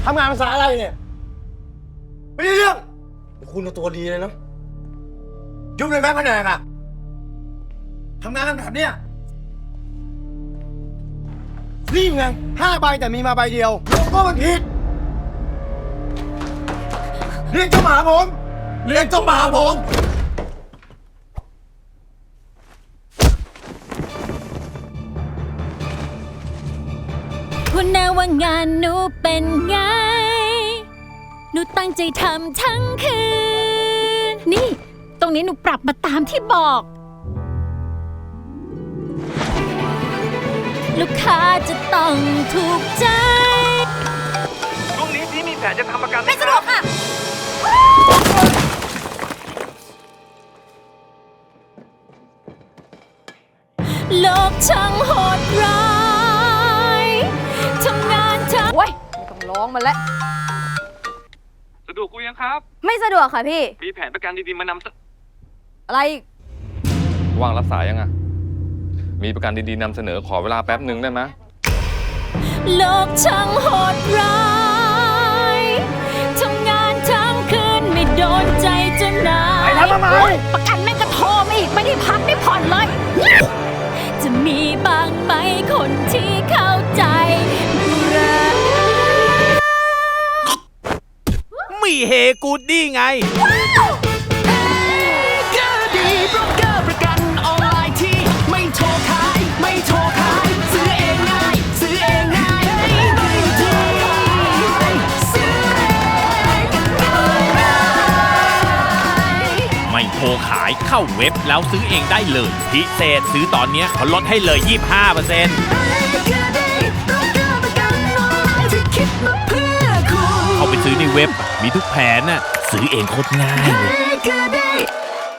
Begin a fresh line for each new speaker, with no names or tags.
ทำงานภาษาอะไรเนี่ยไม่ได้เรื่องคุณตัวดีเลยเนาะยุ่งในแบงค์แผนกอะทำงานกันแบบเนี้ยรีบไง5 ใบแต่มีมาใบเดียวโลโก้มันผิดเรียกเจ้าหมาผมเรียกเจ้าหมาผม
คุณนาว่างานหนูเป็นไงหนูตั้งใจทำทั้งคืนนี่ตรงนี้หนูปรับมาตามที่บอกลูกค้าจะต้องถูกใจ
ช่วงนี้พี่มีแผนจะทำประกัน
ไม่สะดวกค่ะโลกช่างโหดร้ายทำงานทั้ง
โอ้ยไม่ต้องร้องมันแล้ว
สะดวกกูยังครับ
ไม่สะดวกค่ะพี่
มีแผนประกันดีๆมานำ
อะไร
ว่างรับสายยังอ่ะมีประกันดีๆนำเสนอขอเวลาแป๊บหนึ่งได้ไหม
โลกช่างโหดร้ายทำงานทั้งคืนไม่โดนใจจนนาย
ไปทำไม
ประกันแม่งก็โทรมาอีกไม่ได้พักได้ผ่อนเลยจะมีบ้างไหมคนที่เข้าใจรัก
มีเฮกูดดี้ไงไม่โทรขายเข้าเว็บแล้วซื้อเองได้เลยพิเศษซื้อตอนนี้เขาลดให้เลย 25% เข้าไปซื้อในเว็บมีทุกแผนน่ะซื้อเองโคตรง่ายเลย